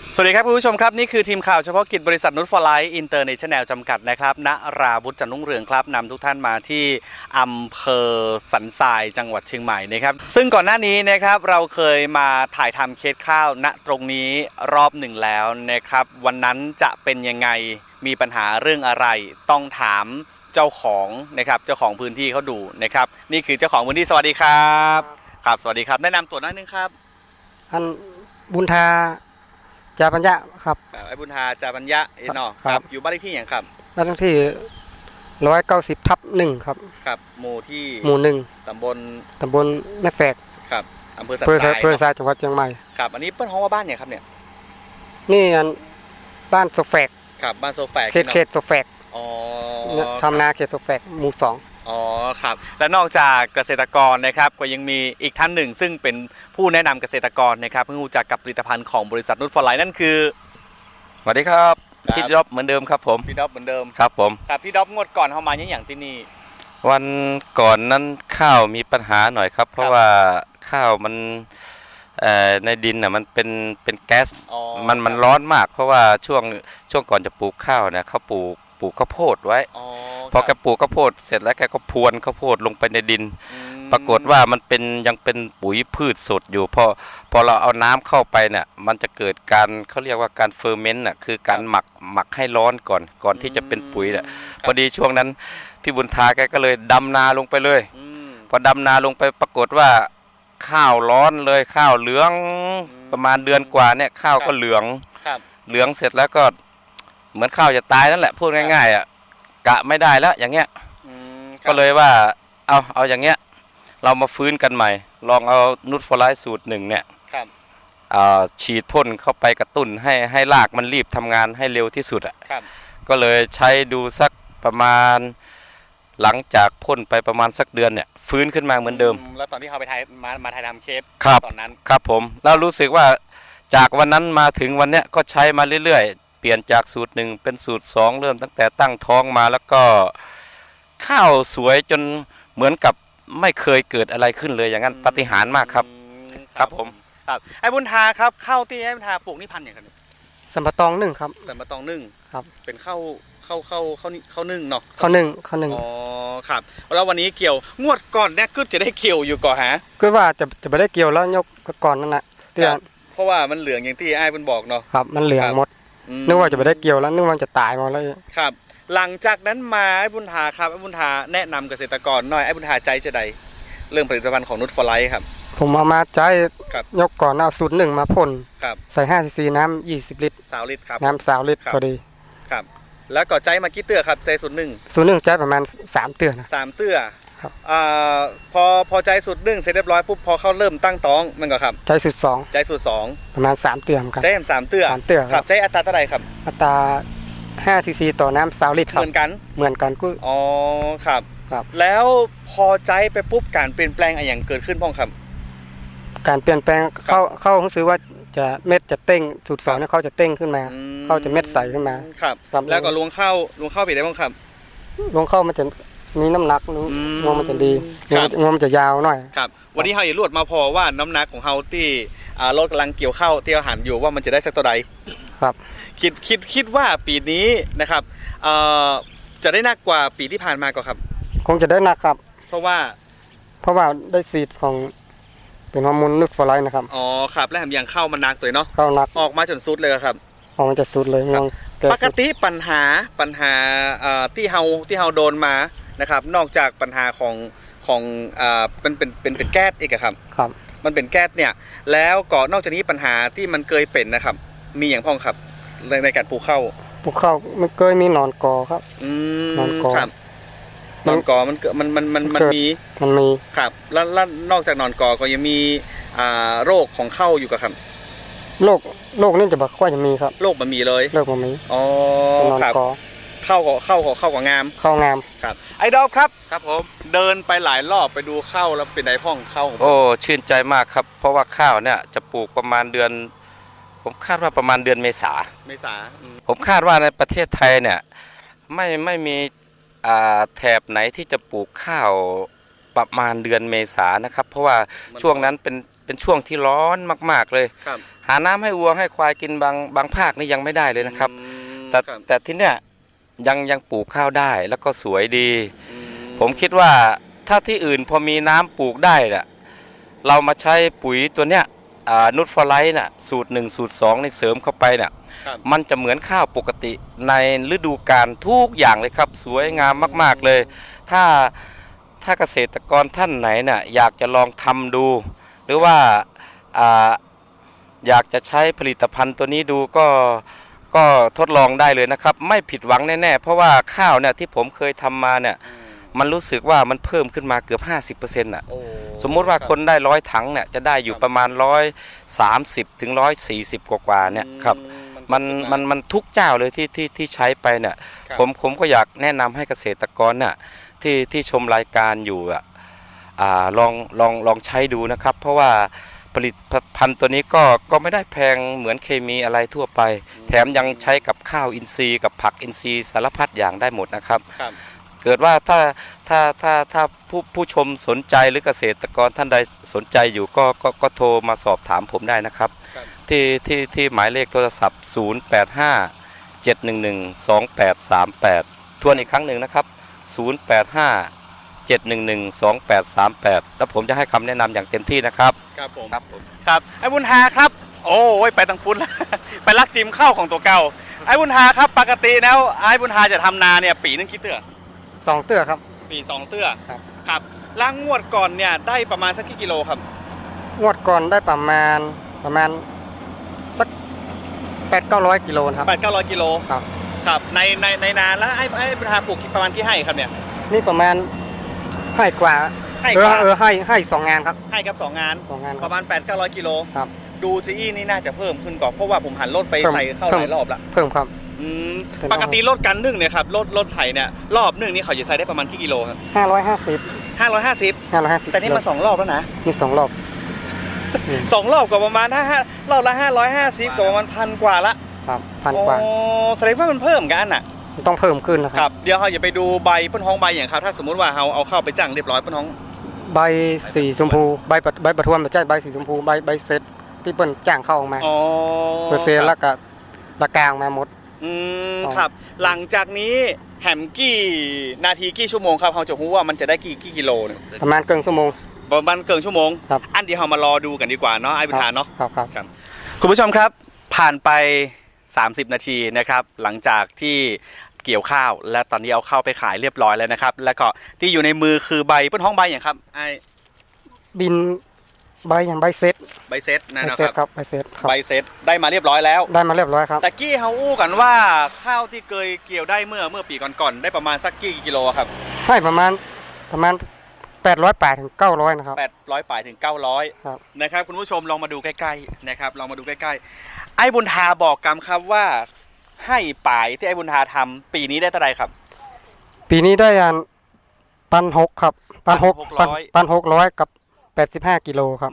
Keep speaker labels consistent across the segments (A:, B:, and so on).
A: สวัสดีครับคุณผู้ชมครับนี่คือทีมข่าวเฉพาะกิจบริษัทนุชฟอร์ไลท์อินเตอร์เนชั่นแนลจำกัดนะครับณราวุฒิจันทร์รุ่งเรืองครับนำทุกท่านมาที่อำเภอสันทรายจังหวัดเชียงใหม่นะครับซึ่งก่อนหน้านี้นะครับเราเคยมาถ่ายทำเคสข้าวณตรงนี้รอบหนึ่งแล้วนะครับวันนั้นจะเป็นยังไงมีปัญหาเรื่องอะไรต้องถามเจ้าของนะครับเจ้าของพื้นที่เขาดูนะครับนี่คือเจ้าของพื้นที่สวัสดีครับครับสวัสดีครับแนะนำตัวหน่อยนึงครับ
B: อันบุญทาจาปัญญะครับ
A: ไอ้บุญทาจาปัญญะเนาะครับอยู่บ้านเลขที่อย่างครับ
B: บ้านเลขที่190/1ครับ
A: ครับหมู่ที่
B: หมู่1ตำบลแม่แฝก
A: ครับอำเภอสันทราย
B: อำเภอสันทรายจังหวัดเชียงใหม่
A: ครับอันนี้เปิ้ลฮ้องว่าบ้านเนี่ยครับเนี่ย
B: นี่อันบ้านโซแฝก
A: ครับบ้านโซแฝก
B: เขตโซแฝก
A: อ๋อ
B: ทำนาเขตโซแฝกหมู่2
A: อ๋อครับและนอกจากเกษตรกรนะครับก็ยังมีอีกท่านหนึ่งซึ่งเป็นผู้แนะนำเกษตรกรนะครับเพิ่งรู้จักกับผลิตภัณฑ์ของบริษัทนุชฟอร์ไลท์นั่นคือ
C: สวัสดีครับพี่ด็อบเหมือนเดิมครับผม
A: พี่ด็อบเหมือนเดิม
C: ครับผม
A: ครับพี่ด็อบงวดก่อนเข้ามาอย่างที่นี่
C: วันก่อนนั้นข้าวมีปัญหาหน่อยครับเพราะว่าข้าวมันในดินน่ะมันเป็นแก๊สมันร้อนมากเพราะว่าช่วงก่อนจะปลูกข้าวเนี่ยเขาปลูกข้าวโพดไว้พอแกปลูกข้าวโพดเสร็จแล้วแกก็พรวนข้าวโพดลงไปในดินปรากฏว่ามันยังเป็นปุ๋ยพืชสดอยู่พอเราเอาน้ำเข้าไปเนี่ยมันจะเกิดการเขาเรียกว่าการเฟอร์เมนต์น่ะคือการหมักให้ร้อนก่อนที่จะเป็นปุ๋ยน่ะพอดีช่วงนั้นพี่บุญทาแกก็เลยดำนาลงไปเลยพอดำนาลงไปปรากฏว่าข้าวร้อนเลยข้าวเหลืองประมาณเดือนกว่าเนี่ยข้าวก็เหลืองเสร็จแล้วก็เหมือนข้าวจะตายนั่นแหละพูดง่ายๆอ่ะกะไม่ได้แล้วอย่างเงี้ยก็เลยว่าเอาอย่างเงี้ยเรามาฟื้นกันใหม่ลองเอานุชฟอร์ไลท์สูตร1เนี่ยฉีดพ่นเข้าไปกระตุ้นให้รากมันรีบทำงานให้เร็วที่สุดอ่ะก็เลยใช้ดูสักประมาณหลังจากพ่นไปประมาณสักเดือนเนี่ยฟื้นขึ้นมาเหมือนเดิม
A: แล้วตอนที่เขาไปมาถ่ายทำเคสตอนนั้น
C: ครับผมแล้วรู้สึกว่าจากวันนั้นมาถึงวันเนี้ยก็ใช้มาเรื่อยๆเปลี่ยนจากสูตร1เป็นสูตร2เริ่มตั้งแต่ตั้งท้องมาแล้วก็ข้าวสวยจนเหมือนกับไม่เคยเกิดอะไรขึ้นเลยอย่างนั้นปาฏิหาริย์มากครับครับผม
A: ครับไอ้บุญทาครับข้าวที่ไอ้บุญทาปลูกนี่พันธุ์อย่างไร
B: สัมปะตอง1ครับ
A: สัมปะตอง1
B: ครับ
A: เป็นข้าวนึ่งเนาะ
B: ข้าวนึ่ง
A: อ๋อครับแล้ววันนี้เกี่ยวงวดก่อนเนี่ยก็จะได้เกี่ยวอยู่ก่อนฮะ
B: ก็ว่าจะไม่ได้เกี่ยวแล้วยกก่อนนั่นแหละ
A: เพราะว่ามันเหลืองอย่างที่ไอ้บุญบอกเนาะ
B: ครับมันเหลืองหมดนึกว่าจะไม่ได้เกี่ยวแล้วนึกว่าจะตายหมดแล้ว
A: ครับหลังจากนั้นมาไอ้บุญทาครับไอ้บุญทาแนะนำเกษตรกรหน่อยไอ้บุญทาใจจะใดเรื่องผลิตภัณฑ์ของนุชฟอร์ไลท์ครับ
B: ผมเอามาใจยกก่อนเอาสูตร1มาพ่นใส่5 cc น้ำ20 ลิตร
A: 20 ลิตรครับ
B: น้ำ20 ลิตรพอดี
A: ครับแล้วก็ใจมากี่เตื้อครับใจสูตร
B: 1ใจประมาณ3 เตื้อนะ
A: 3 เตื้อ
B: ครับ
A: พอใจสูตร1เสร็จเรียบร้อยปุ๊บพอเขาเริ่มตั้งท้องมันก็ครับ
B: ใจสูตร2ประมาณ3 เตื้อครับ
A: ใจ3 เตื้อครับใจอัตราเท่าไหร่ครับ
B: อัตรา5 cc ต่อน้ำ20 ลิตรครับ
A: เหมือนกัน
B: ก็
A: อ๋อครับแล้วพอใจไปปุ๊บการเปลี่ยนแปลงอะไรอย่างเกิดขึ้นพ้องครับ
B: การเปลี่ยนแปลงเข้ารู้สึกว่าจะเม็ดจะเต้งสูตร2เนี่ยเขาจะเต้งขึ้นมาเขาจะเม็ดใสขึ้นมา
A: ครับแล้วก็ลวงเข้าไปได้บ้างครับ
B: ลวงเข้ามันจะมีน้ำหนักงวงมันจะดีงวงมันจะยาวหน่อย
A: ครับวันนี้เขาอย่ารวดมาพอว่าน้ำหนักของเขาที่รถกำลังเกี่ยวเข้าที่อาหารอยู่ว่ามันจะได้สักตัวใด
B: ครับ
A: คิดว่าปีนี้นะครับจะได้หนักกว่าปีที่ผ่านมาก็ครับ
B: คงจะได้หนักครับ
A: เพราะว่า
B: ได้ซีดของเป็นฮอร์โมนนุชฟอร์ไลท์นะครับ
A: อ๋อครับแล้วอย่างเข้ามันหนักตัวเนาะ
B: เข้าหนัก
A: ออกมาจนสุดเลยครับ
B: ออกมาจะสุดเลย
A: ปกติปัญหาที่เฮาโดนมานะครับนอกจากปัญหาของเป็นแก๊สอีกครับ
B: ครับ
A: มันเป็นแก๊สเนี่ยแล้วก็นอกจากนี้ปัญหาที่มันเคยเป็นนะครับมีอย่างพ้องครับในการปลูกข้าว
B: มันเคยมีหนอนกอครับ
A: หนอนกอหนอนกอมันมีครับแล้วนอกจากหนอนกอก็ยังมีโรคของข้าวอยู่กับครับ
B: โรคนี่จะบอกว่าจะมีครับ
A: โรคมันมีเลย
B: โรคมันมี
A: อ๋อครับเข้ากับงามครับไอดอล
C: ครับผม
A: เดินไปหลายรอบไปดูข้าวแล้วเป็นไงพ้องข้าว
C: โอ้ชื่นใจมากครับเพราะว่าข้าวเนี่ยจะปลูกประมาณเดือนผมคาดว่าประมาณเดือนเมษาผมคาดว่าในประเทศไทยเนี่ยไม่มีแถบไหนที่จะปลูกข้าวประมาณเดือนเมษานะครับเพราะว่าช่วงนั้นเป็นช่วงที่ร้อนมากๆเลยหาน้ำให้วัวให้ควายกินบางภาคนี่ยังไม่ได้เลยนะครับแต่ที่เนี้ยยังปลูกข้าวได้แล้วก็สวยดี ผมคิดว่าถ้าที่อื่นพอมีน้ำปลูกได้น่ะเรามาใช้ปุ๋ยตัวเนี้ยนูตฟอร์ไลท์น่ะสูตร1สูตร2ในเสริมเข้าไปน่ะมันจะเหมือนข้าวปกติในฤดูกาลทุกอย่างเลยครับสวยงามมากๆเลยถ้าเกษตรกรท่านไหนน่ะอยากจะลองทำดู หรือว่าอยากจะใช้ผลิตภัณฑ์ตัวนี้ดูก็ทดลองได้เลยนะครับไม่ผิดหวังแน่ๆเพราะว่าข้าวเนี่ยที่ผมเคยทำมาเนี่ยมันรู้สึกว่ามันเพิ่มขึ้นมาเกือบ 50%น่ะสมมุติว่าคนได้100 ถังเนี่ยจะได้อยู่ประมาณ130 ถึง 140 กว่าเนี่ยครับมันทุกเจ้าเลยที่ใช้ไปเนี่ยผมก็อยากแนะนำให้เกษตรกรน่ะที่ชมรายการอยู่ลองใช้ดูนะครับเพราะว่าผลิตภัณฑ์ตัวนี้ก็ไม่ได้แพงเหมือนเคมีอะไรทั่วไปแถมยังใช้กับข้าวอินทรีย์กับผักอินทรีย์สารพัดอย่างได้หมดนะครับเกิดว่าถ้าผู้ชมสนใจหรือเกษตรกรท่านใดสนใจอยู่ก็โทรมาสอบถามผมได้นะครับที่หมายเลขโทรศัพท์085 711 2838ทวนอีกครั้งหนึ่งนะครับ085 711 2838แล้วผมจะให้คำแนะนำอย่างเต็มที่นะครับ
A: ครับผมครับไอ้บุญหาครับโอ้ยไปตังพุ้นไปลักจิมข้าวของตัวเก่าไอ้บุญหาครับปกติแล้วไอ้บุญหาจะทำนาเนี่ยปีนึงกี่เตื้อ
B: 2 เตื้อครับ
A: ปี2 เตื้อครับล้างงวดก่อนเนี่ยได้ประมาณสักกี่กิโลครับ
B: งวดก่อนได้ประมาณสัก800-900 กิโลครับ
A: 800-900 กิโลครับในนาแล้วไอ้บุญหาปลูกประมาณกี่ไร่ครับเนี่ย
B: นี่ประมาณให้กว่าให้2 งานครับ
A: ให้ครับ2 งานประมาณ800-900 กิโลครับดูจีอี้นี่น่าจะเพิ่มขึ้นก่อนเพราะว่าผมหันรถไปใส่เข้าหลายรอบละ
B: เพิ่มครับ
A: ปกติรถกันนึ่งเนี่ยครับรถไถเนี่ยรอบนึ่งนี่เขาจะใส่ได้ประมาณกี่กิโลครับ550แต่นี่มา2 รอบแล้วนะ
B: นี่2 รอบ
A: 2 รอบก็ประมาณรอบละ550ก็ประมาณ1,000 กว่าละ
B: ครับ1,000 กว่า
A: แสดงว่ามันเพิ่มกันน่ะ
B: ต้องเพิ่มขึ้นนะครับ
A: เดี๋ยวเราอย่าไปดูใบป้นท้องใบอย่างครับถ้าสมมุติว่าเราเอาเข้าไปจ้างเรียบร้อยป้นท้อง
B: ใบสีชมพูใบประทวนไม่ใช่ใบสีชมพูใบเซตที่เปิ้นจ้างเข้าออกมาเปอร์เซ็นต์แล้วก็ละกลางมาหมด
A: ครับหลังจากนี้แหมกี่นาทีกี่ชั่วโมงครับเราจะรู้ว่ามันจะได้กี่กิโลเนี่ย
B: ประมาณเกินชั่วโมง
A: อันเดียวเรามารอดูกันดีกว่าเนาะไอ้บุญหาเนาะ
B: ครับ
A: คุณผู้ชมครับผ่านไป30 นาทีนะครับหลังจากที่เกี่ยวข้าวและตอนนี้เอาข้าวไปขายเรียบร้อยแล้วนะครับแล้วก็ที่อยู่ในมือคือใบป้นท้องใบอย่างครับไอ้
B: บินใบอย่างใบเซต
A: นะครับ
B: ใบเซต
A: ได้มาเรียบร้อยแล้ว
B: ครับ
A: แต่กี้เขาอู้กันว่าข้าวที่เคยเกี่ยวได้เมื่อปีก่อนๆได้ประมาณสักกี่กิโลครับ
B: ให้ประมาณ800 ปลายถึง900นะครับ
A: 800 ปลายถึง900นะครับคุณผู้ชมลองมาดูใกล้ๆนะครับลองมาดูใกล้ๆไอ้บุญทาบอกกำครับว่าให้ปลายที่ไอ้บุญทาทำปีนี้ได้เท่าไรครับ
B: ปีนี้ได้1,600ครับ1,600กับ85 กิโลครับ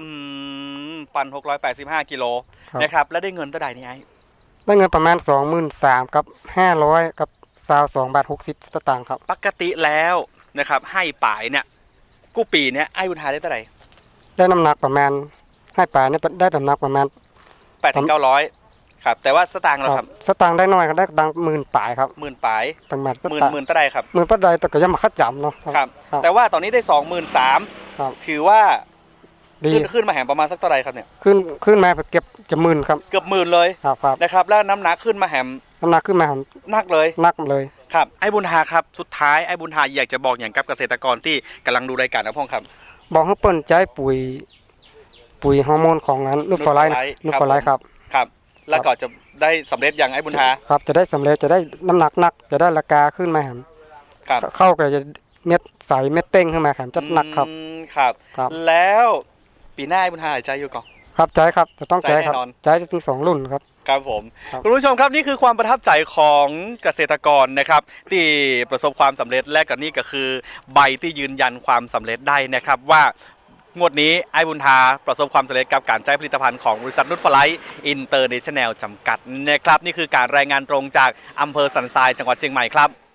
A: 1,685 กิโลนะครับแล้วได้เงินเท่าไหร่นี่ไอ้
B: ได้เงินประมาณ 23,000 กับ500กับ22.60 บาทสตางค์ครับ
A: ปกติแล้วนะครับให้ปลายเนี่ยกู้ปีเนี่ยไอ้บุญทาได้เท่าไหร่
B: ได้น้ำหนักประมาณให้ปลายเนี่ยได้น้ำหนักประมาณ
A: 800-900ครับแต่ว่าสตางค์เราครับ
B: สตางค์ได้น้อยครับได้ตังค์10,000 ปลายครับ
A: 10,000 ปลาย
B: ประมาณ
A: 10,000เท่าไหร่ครับ
B: 10,000 ปลายแต่ก็ยังมาคัดจำเนาะ
A: ครับแต่ว่าตอนนี้ได้ 23,000ถือว่าขึ้นมาแหมประมาณสักเท่าไหร่ครับเนี่ย
B: ขึ้นมาเก็บจะ10,000ครับ
A: เกือบ10,000เลยนะครับแล้วน้ำหนักขึ้นมาแหมนักเลยครับไอ้บุญหาครับสุดท้ายไอ้บุญหาอยากจะบอกอย่างกับเกษตรกรที่กำลังดูรายการนะพ่อครับ
B: บอกให้เปิ้นใจปุ๋ยฮอร์โมนของนั้นนูตฟอร์ไลท์
A: ครับแล้วก็จะได้สำเร็จอย่างไอ้บุญหา
B: ครับจะได้สำเร็จจะได้น้ำหนักจะได้ราคาขึ้นมาแหมเข้าก็จะเม็ดใสเม็ดเต้งขึ้นมาแหมจะหนักครับ
A: แล้วปีหน้าไอ้บุญหาใจอยู่ก่อน
B: ครับใจครับจะต้องใจครับใจถึง2 รุ่นครับ
A: ครับผมคุณผู้ชมครับนี่คือความประทับใจของเกษตรกรนะครับที่ประสบความสำเร็จและก็นี่ก็คือใบที่ยืนยันความสำเร็จได้นะครับว่างวดนี้ไอ้บุญทาประสบความสำเร็จกับการใช้ผลิตภัณฑ์ของบริษัทนูตฟอร์ไลท์อินเตอร์เนชั่นแนลจำกัดนะครับนี่คือการรายงานตรงจากอำเภอสันทรายจังหวัดเชียงใหม่ครับ